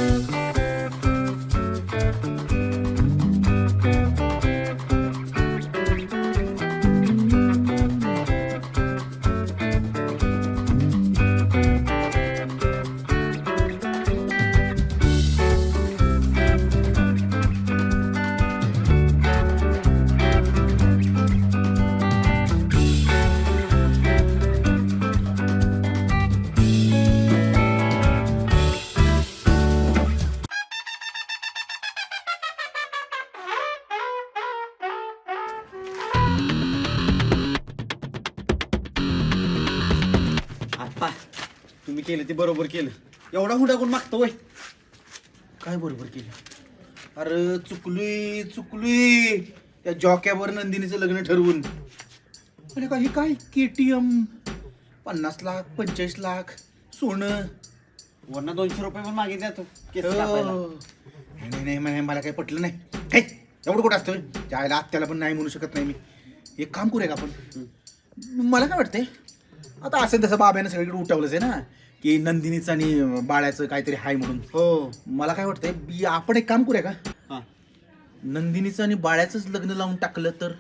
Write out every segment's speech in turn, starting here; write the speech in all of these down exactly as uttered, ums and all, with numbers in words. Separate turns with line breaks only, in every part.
तुम्ही केलं ते बरोबर केलं. एवढा हुंडा कोण मागतो वय? काय बरोबर केलं? अरे चुकलोय चुकलोय त्या जॉक्यावर नंदिनीचं लग्न ठरवून. अरे काही काय केटीएम पन्नास लाख पंचेचाळीस लाख सोनं
वरनं दोनशे रुपये पण मागितले तू केस
हो.
कापायला.
नाही नाही नाही मला काही पटलं नाही. काय एवढं कुठं असतं त्याला आत्याला पण नाही म्हणू शकत नाही मी. एक काम करूया का आपण? मला काय वाटतंय आता असं तसं बाब्यानं सगळीकडे उठवलंच आहे ना की नंदिनीचं आणि बाळ्याचं काहीतरी हाय म्हणून.
हो
मला काय वाटतंय बी- आपण एक काम करूया का?
हा.
नंदिनीचं आणि बाळ्याचंच लग्न लावून टाकलं तर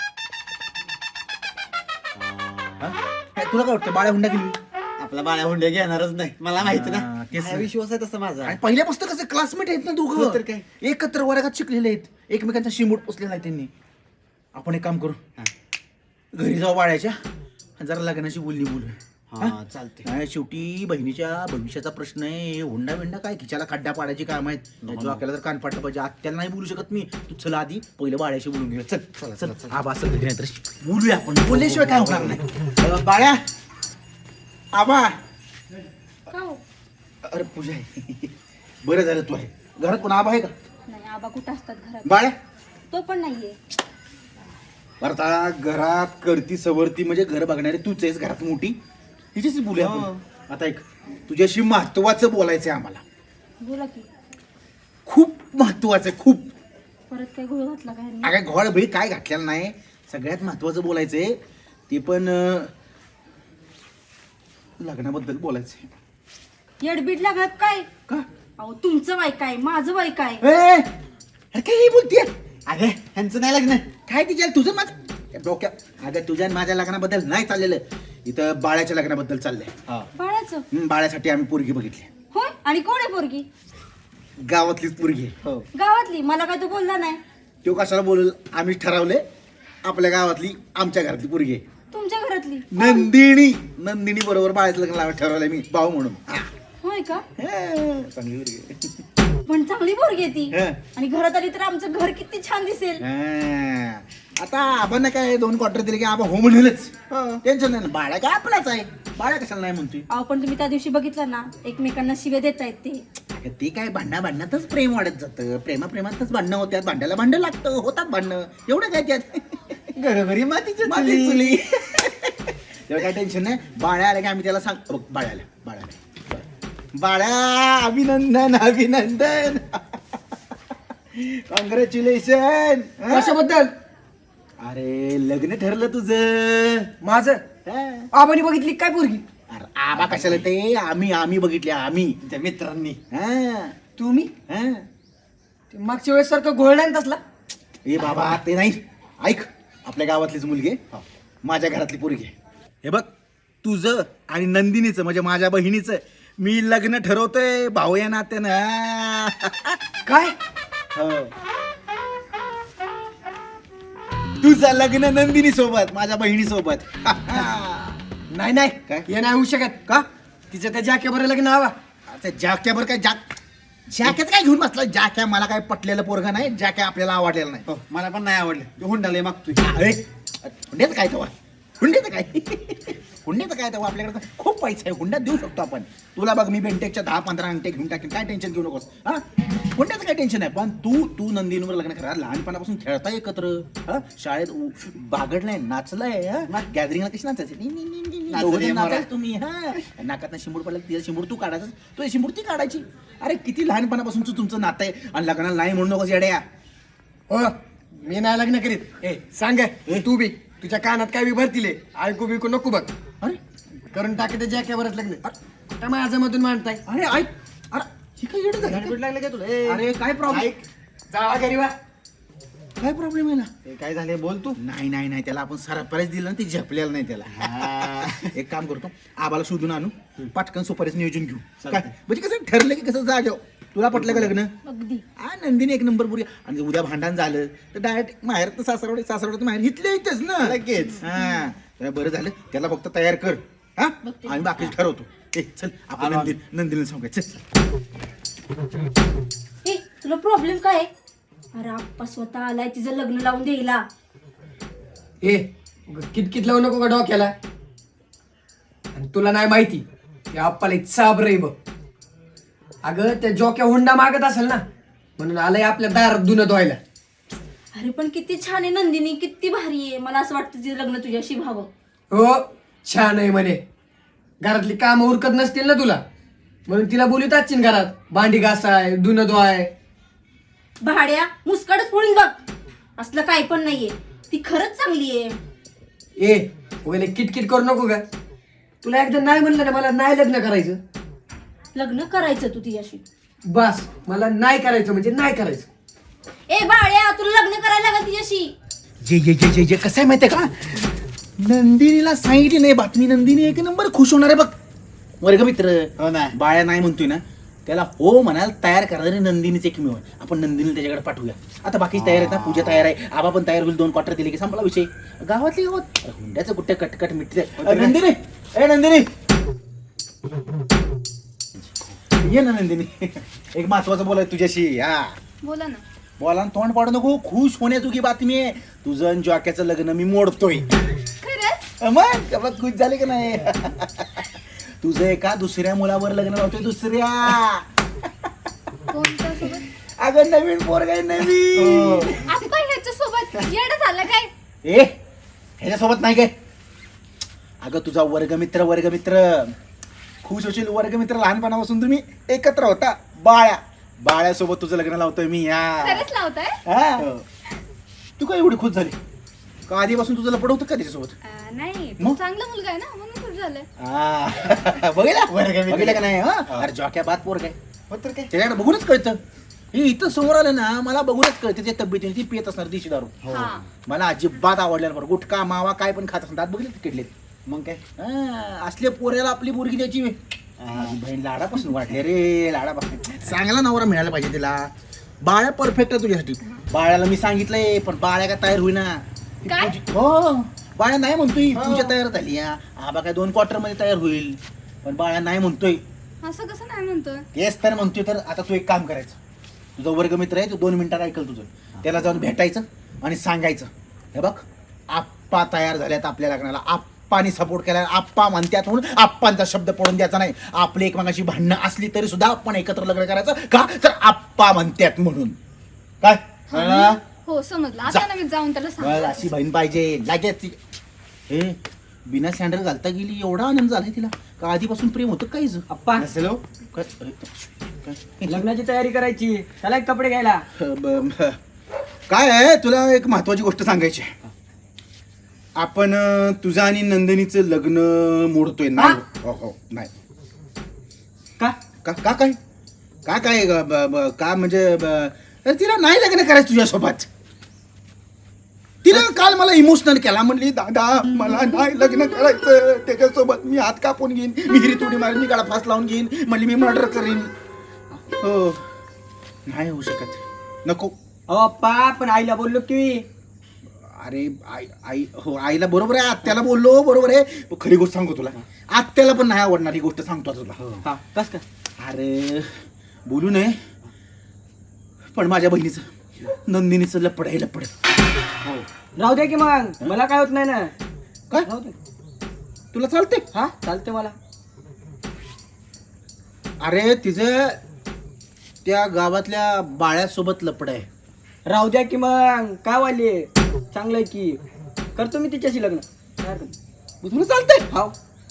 हा? काय तुला काय वाटतं? बाळ्या हुंडा गेली
आपला बाळ्या हुंडे घेणारच नाही मला माहिती
हा,
ना.
तेच
हा,
ना.
विश्वास आहे तसा माझा.
आणि पहिल्यापासून कसं क्लासमेट आहेत ना
हो
दोघं
तर काय.
एकत्र वर्गात शिकलेले आहेत. एकमेकांचा शिमूट पोचलेला आहे त्यांनी. आपण एक काम करू
हा.
घरी जाऊ बाळ्याच्या आणि जरा लग्नाची बोलणी बोलू.
हा चालते.
नाही शेवटी बहिणीच्या भविष्याचा प्रश्न आहे. हुंडा बिंडा काय खिच्याला खड्डा पाडायची काम आहेत. जो आपल्याला जर कान पाडलं पाहिजे आत्याला नाही बोलू शकत मी. तू चला आधी पहिलं बाळ्याशी बोलून घेऊया. चल चला चल आबा असं घरी नाही तर बोलूया आपण. बोलल्याशिवाय काय होणार नाही. अं, बाळ्या आबा अरे पूजा आहे. बरं झालं तू आहे घरात. कोण आबा आहे का?
नाही आबा कुठं असतात घरात?
बाळ्या
तो पण नाहीये.
बरं आता घरात करती सवरती म्हणजे घर बघणारी तूच आहेस घरात मोठी. हिच्याशी बोलूया आपण. आता एक तुझ्याशी महत्वाचं बोलायचं आहे आम्हाला.
बोला की.
खूप महत्वाचं आहे खूप.
परत काय घोळ घातला काय?
काय घोळ भेळ काय घातलेलं नाही. सगळ्यात महत्वाचं बोलायचंय ते पण अं, लग्नाबद्दल बोलायचंय.
येडबीड लागत काय?
का
अहो तुमचं वय काय माझं वय काय?
ए, अरे काय बोलतीये?
अरे ह्यांचं नाही लग्न.
काय तिच्या तुझं माझं डोक्या अगं तुझ्या आणि माझ्या लग्नाबद्दल नाही चाललेलं. इथं बाळ्याच्या लग्नाबद्दल चाललंय.
बाळाचं?
हं, बाळ्यासाठी आम्ही पोरगी बघितली.
होय आणि कोण आहे पोरगी?
गावातलीच पोरगी आहे.
हो
गावातली? मला काय तू बोलला नाही?
तो कशाला बोलल? आम्ही ठरवलंय आपल्या गावातली आमच्या घरातली पोरगी आहे.
तुमच्या घरातली?
नंदिनी नंदिनी बरोबर बाळाचं लग्न लावायला ठरवलंय मी भाऊ म्हणून. हा.
होय का?
हा, चांगली पोरगी आहे.
पण चांगली पोरगी आहे ती.
हा.
आणि घरात आली तर आमचं घर किती छान दिसेल.
हा. आता आपण काय दोन क्वार्टर दिले की आबा हो म्हणेलच. टेन्शन नाही ना. बाळा काय आपलाच आहे. बाळा कशाला नाही म्हणतोय?
अहो पण तुम्ही त्या दिवशी बघितलं ना एकमेकांना शिव्या देत आहेत ते.
अगं ते काय भांडणा भांडणातच प्रेम वाढत जातं. प्रेमा प्रेमातच भांडणं होत्यात. भांड्याला भांडं लागतं. होतात भांडणं. एवढं काय त्यात
घरोघरी मातीच्या
माझी
चुली.
चुली. तेव्हा काय टेन्शन नाही. बाळ्या आल्या की आम्ही त्याला सांग बघ बाळ्याला बाळ्याला बाळ्या अभिनंदन अभिनंदन कॉंग्रॅच्युलेशन.
कशाबद्दल?
अरे लग्न ठरलं तुझं.
माझं?
हा.
आबानी बघितली काय पोरगी?
अरे आबा कशाला ते आम्ही आम्ही बघितले आम्ही.
त्या मित्रांनी.
हा
तुम्ही
हा.
ते मागच्या वेळेस सारखं घोळ नाही ना तसला?
ए बाबा ते नाही. ऐक आपल्या गावातलीच मुलगी आहे. माझ्या घरातली पोरगी आहे. हे बघ तुझं आणि नंदिनीचं म्हणजे माझ्या बहिणीचं मी लग्न ठरवतोय भाऊ या नात्यानं.
काय?
हो. तुझं लग्न नंदिनी सोबत माझ्या बहिणी सोबत.
नाही नाही
काय?
हे नाही होऊ शकत.
का?
तिचं त्या जाक्या बरं लग्न हवा.
आता जाक्यावर काय जाक जाक्यात काय घेऊन बसला? जाक्या मला काय पटलेलं पोरगा नाही. जाक्या आपल्याला आवडलेला नाही.
हो मला पण नाही आवडलं. तो हुंडाले मागतोय.
अरे हुंड्याचं काय तेव्हा? हुंड्याचं काय? हुंड्याचं काय तेव्हा? आपल्याकडे तर खूप पैसा आहे. हुंड्यात देऊ शकतो आपण. तुला बघ मी बेंटेकच्या दहा पंधरा अंगठे घेऊन टाकेन. काय टेन्शन घेऊ नकोस. हा हुंड्याचं काय टेन्शन आहे. पण तू तू नंदिनीवर लग्न करा. लहानपणापासून खेळता एकत्र. हा शाळेत उ- बागडलाय नाचलाय. गॅदरिंगला कशी नाचायची? नी- नी- नी- नी- नी.
नाचायची
दोघं जण
मोरा.
नाचायचं तुम्ही. हा नाकात शिंबूड पडला तिला शिंबूड तू काढायचं. तो शिंबूड ती काढायची. अरे किती लहानपणापासून तुमचं नातं आहे. आणि लग्नाला नाही म्हणू नकोस येड्या.
हो मी नाही लग्न करीत. ए सांग तू बी तुझ्या कानात काय बी भरतीले ऐकू बिकू नको बघ.
अरे
करून टाके त्या जाक्यावरच लग्न. काय माझ्या मधून मांडताय?
अरे ऐक. अरे ही काय येडं झालं
गाडबीड
का?
लागलं का तुला ए,
अरे काय प्रॉब्लेम
ऐक.
जावा घरी वा.
काय प्रॉब्लेम आहे ना
ए, काय झाले बोल तू
नाही नाही नाही त्याला आपण सरप्राईज दिलं ना ती झेपलेलं नाही त्याला
हा.
एक काम करतो आबाला शोधून आणू पटकन सुपारीच नियोजन घेऊ
चालतंय.
काय म्हणजे कसं ठरलं की कसं जागेव तुला पटलं का लग्न
अगदी
हा नंदिनी एक नंबर पुरी आणि उद्या भांडण झालं तर डायरेक्ट माहेर तर सासरवडे सासरवडे माहेर इथले इथेच ना
लगेच.
हा तर बरं झालं त्याला फक्त तयार कर हा
बघते.
आम्ही बाकी ठरवतो ए चल आपण
आलो.
नंदिनी नंदिनीला सांगायचं चल
ए तुला प्रॉब्लेम काय आहे? अरे आप्पा स्वतः आलाय तिचं लग्न लावून द्यायला.
ए किटकिट लावू नको का डोक्याला. आणि तुला नाही माहिती या आप्पाला चाब रे बघ. अगं त्या जोक्या हुंडा मागत असेल ना म्हणून आलंय आपल्या दारात धुणं धुवायला.
अरे पण किती छान आहे नंदिनी, किती भारी आहे. मला असं वाटतं तिचं लग्न तुझ्याशी व्हावं.
हो छान आहे म्हणे. घरातली कामं उरकत नसतील ना तुला म्हणून तिला बोलत असतील घरात भांडी घासाय धुणं धुवाय.
भाड्या मुस्कडच फोडून बघ. असलं काही पण नाहीये. ती खरंच चांगली आहे.
ए वगैरे किटकिट करू नको का. तुला एकदा नाही म्हणलं ना मला नाही लग्न करायचं
लग्न करायचं तू तिच्याशी.
बस मला नाही करायचं म्हणजे नाही करायचं.
ए भाड्या तुला लग्न करायला लागल तिच्याशी.
जे जे जे जे जे कसं आहे माहितीये का नंदिनीला सांगितली नाही बातमी नंदिनी एक नंबर खुश होणार आहे बघ वर्गमित्र
हो ना
बाळ्या नाही म्हणतोय ना त्याला हो म्हणायला तयार करणारी नंदिनीच एकमेव आहे. आपण नंदिनीला त्याच्याकडे पाठवूया. आता बाकीची तयार आहेत ना पूजा तयार आहे आबा पण तयार होईल दोन क्वार्टर दिले की संपला विषय. गावातली गावात अरे हुंड्याचं कुठे कटकट मिटते. अरे नंदिनी ए नंदिनी ये ना नंदिनी एक महत्वाचं बोलाय तुझ्याशी. हा
बोला ना.
बोला ना, तोंड पाडू नको. खुश होण्याजोगी बातमी आहे. तुझं आणि जॉक्याचं लग्न मी मोडतोय.
खरंच?
मग मग खुश झाले का नाही तुझं एका दुसऱ्या मुलावर लग्न लावतोय दुसऱ्या.
कोणत्या सोबत?
अगं नवीन पोरग आहे नवीन.
आप्पा ह्याच्या सोबत येडं झालं काय?
ए ह्याच्यासोबत नाही काय अगं तुझा वर्गमित्र वर्गमित्र खुश होशील. वर्गमित्र लहानपणापासून तुम्ही एकत्र होता. बाळ्या बाळ्यासोबत तुझं लग्न लावतोय मी. या
खरंच लावताय?
हा. तू काय एवढी खुश झाली का आधीपासून तुझं लपड होतं का त्याच्यासोबत?
नाही
मग?
चांगला मुलगा आहे ना म्हणून खुश झालंय.
हा. बघितलं
वर्गमित्र.
बघितलं का नाही हा?
हा.
अरे जॉक्या बात पोर काय
हो तर काय
त्याच्याकडे बघूनच कळतं. हे इथं समोर आलं ना मला बघूनच कळतं त्या तब्येतीने ती पियत असणार दिशी दारू.
हो
हा.
मला अजिबात आवडल्या बरं गुटखा मावा काय पण खात असणार बघितले किडलेत.
मग काय
हा, असले पोऱ्याला आपली मुलगी द्यायची व्हय. माझी बहीण लाडापासून वाटले रे लाडापासून. चांगला नवरा मिळायला पाहिजे तिला. बाळ्या परफेक्ट आहे तुझ्यासाठी. बाळ्याला मी सांगितलंय पण बाळ्या का तयार होईना. ती
काय?
पूजी- हो बाळ्या नाही म्हणतोय
हो.
पूजा तयार झाली हा. आबा काय दोन क्वार्टर मध्ये तयार होईल पण बाळ्या नाही म्हणतोय.
असं कसं नाही म्हणतोय?
तेच तर म्हणतोय. तर आता तू एक काम करायचं तुझा वर्गमित्र आहे तो दोन मिनिटात ऐकल तुझं. त्याला जाऊन भेटायचं आणि सांगायचं हे बघ आप्पा तयार झाल्यात आपल्या लग्नाला. आप्पानी सपोर्ट केला आप्पा म्हणतात म्हणून आप्पांचा शब्द पडून द्यायचा नाही. आपली एकमेकांची भांडणं असली तरी सुद्धा आपण एकत्र लग्न करायचं का तर आप्पा म्हणतात म्हणून. काय कळलं?
हो समजलं.
जा.
आता नवीन जाऊन त्याला
बस,
सांग.
अशी बहीण पाहिजे लगेच. हे बिना सँडल घालता गेली एवढा आनंद झालाय तिला का आधीपासून प्रेम होतं काहीच.
अप्पा
नसेल हो.
काय अरे, काय?
लग्नाची तयारी करायची चला एक कपडे घ्यायला.
ब- ब- काय आहे तुला एक महत्वाची गोष्ट सांगायची आहे. आपण अं, तुझं आणि नंदिनीचं लग्न मोडतोय. नाही हो हो नाही
का
का का काय का काय ग- ब- ब- का म्हणजे ब- अरे तिला नाही लग्न करायचं तुझ्यासोबत. तिला काल मला इमोशनल केला म्हणली दादा मला नाही लग्न करायचं त्याच्यासोबत. मी हात कापून घेईन विहिरीत उडी मारीन मी गाडा फास लावून घेईन म्हणली मी मर्डर करीन. हो नाही होऊ शकत नको.
अहो अप्पा पण आईला बोललो की.
अरे आई आई हो आईला बरोबर आहे आत्याला बोललो बरोबर आहे. पण खरी गोष्ट सांगतो तुला आत्याला पण नाही आवडणार ही गोष्ट सांगतो आता तुला.
हा कस का
अरे बोलू नये पण माझ्या बहिणीचं नंदिनीचं लपड आहे लपड.
हो राहू द्या की मग मला काय होत नाही ना.
काय
राहू दे.
तुला चालते?
हा चालते मला.
अरे तिचं त्या गावातल्या बाळ्यासोबत लपड आहे.
राहू द्या की मग काय वाले चांगलं आहे की करतो मी तिच्याशी लग्न. काय हरकत नाही.
मग तुला चालतंय?
हाव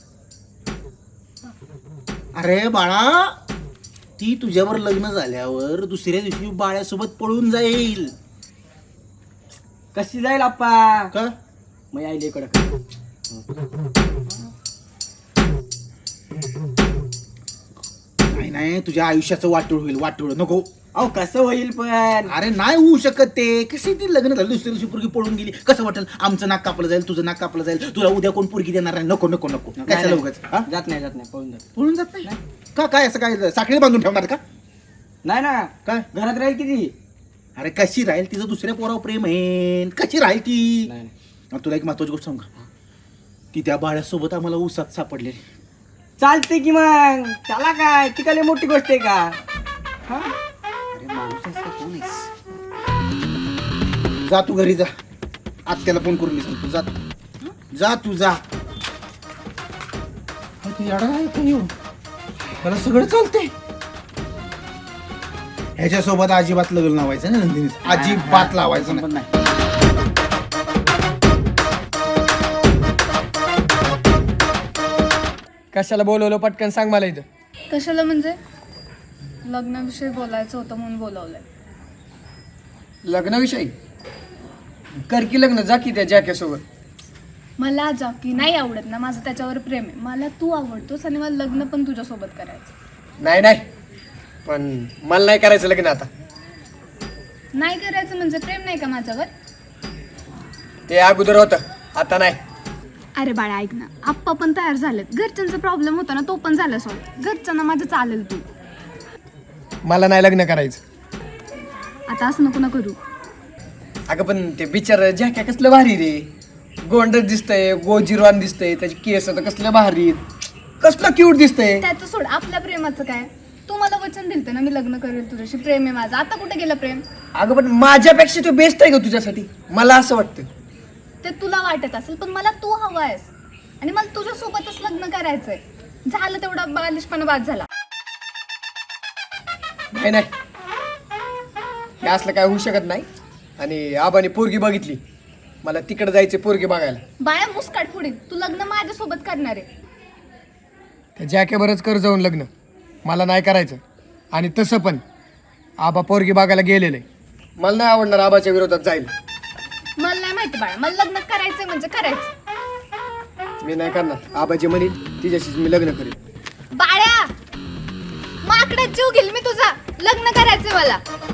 अरे बाळा ती तुझ्यावर लग्न झाल्यावर दुसऱ्या दिवशी बाळ्यासोबत पळून जाईल.
कशी जाईल अप्पा
का
मग आईला इकडं.
नाही नाही नाही तुझ्या आयुष्याचं वाटोळ होईल वाटोळ नको.
अहो कसं होईल पण?
अरे नाही होऊ शकत ते. कशी ती लग्न झालं दुसऱ्या दिवशी पोरगी पळून गेली कसं वाटेल? आमचं नाक कापलं जाईल तुझं नाक कापलं जाईल तुला उद्या कोण पोरगी देणार नाही. नको नको नको
नाही,
काय
नाही.
उगाच हा?
जात नाही जात नाही पळून जात
पळून जात नाही का? काय असं काय साखळी बांधून ठेवणार का?
नाही ना.
काय
घरात राहील किती?
अरे कशी राहील? तिचं दुसऱ्या पोरावर प्रेम आहे. कशी राहील ती?
नाही
आणि तुला एक महत्वाची गोष्ट सांग का? ती त्या बाळ्यासोबत आम्हाला उसात सापडलेली.
चालते की मग त्याला काय ती काय मोठी गोष्ट आहे का? हा? अरे माणूस आहेस का कोण आहेस?
जा तू घरी जा. आत्याला फोन करून मी सांगतो. जा जा तू जा. अरे तू येडा आहे का येऊ? मला सगळं चालतंय. ह्याच्यासोबत अजिबात लग्न लावायचं ना नंदिनी. अजिबात लावायचं
पण
नाही.
नाही.
कशाला बोलवलं पटकन सांग मला इथं.
कशाला म्हणजे लग्नाविषयी बोलायचं होतं म्हणून बोलावलंय.
लग्नाविषयी कर की लग्न, जा की त्या जॅकेसोबत.
मला जॉकी नाही आवडत ना, माझं त्याच्यावर प्रेम आहे. मला तू आवडतोस आणि मला लग्न पण तुझ्यासोबत करायचं.
नाही नाही पण मला नाही करायचं लग्न आता.
नाही करायचं म्हणजे प्रेम नाही का माझ्यावर?
ते अगोदर होतं आता नाही.
अरे बाळा ऐक ना, आप्पा पण तयार झालेत. घरच्यांचा प्रॉब्लेम होता ना तो पण झाला सॉल्व. घरच्यांना माझं चालेल तू.
मला नाही लग्न करायचं.
आता असं नको ना करू.
अगं पण ते बिचार जॅके कसलं भारी रे. गोंडच दिसतंय, गोजिरवान दिसतंय, त्याची केस तर कसलं भारी, कसलं क्यूट दिसतंय.
त्याचं सोड, आपल्या प्रेमाचं काय? तू मला वचन दिलतं ना मी लग्न करेल तुझ्याशी, प्रेम आहे माझं. आता कुठे गेलं प्रेम?
अगं पण माझ्यापेक्षा तो बेस्ट आहे का तुझ्यासाठी? मला असं वाटतं.
ते तुला वाटत असेल पण मला तू हवा आहेस आणि मला तुझ्यासोबतच लग्न करायचंय. झालं तेवढा बालिशपणा बाद झाला.
नाही नाही हे असलं काय होऊ शकत नाही. आणि आबाने पोरगी बघितली, मला तिकडे जायचे पोरगी बघायला.
बाळा मुस्काट फोडीन. तू लग्न माझ्यासोबत करणार आहे.
त्या जॅकेबरच कर जाऊन लग्न. मला नाही करायचं. आणि तसं पण आबा पोरगी बघायला गेलेलं आहे. मला नाही आवडणार आबाच्या विरोधात जाईल.
मला नाही माहिती बाळा, मला लग्न करायचंय म्हणजे करायचं.
मी नाही करणार. आबाजी म्हणेल तिच्याशीच मी लग्न करेन.
बाळ्या माकडात जीव घेईल मी तुझा. लग्न करायचंय मला.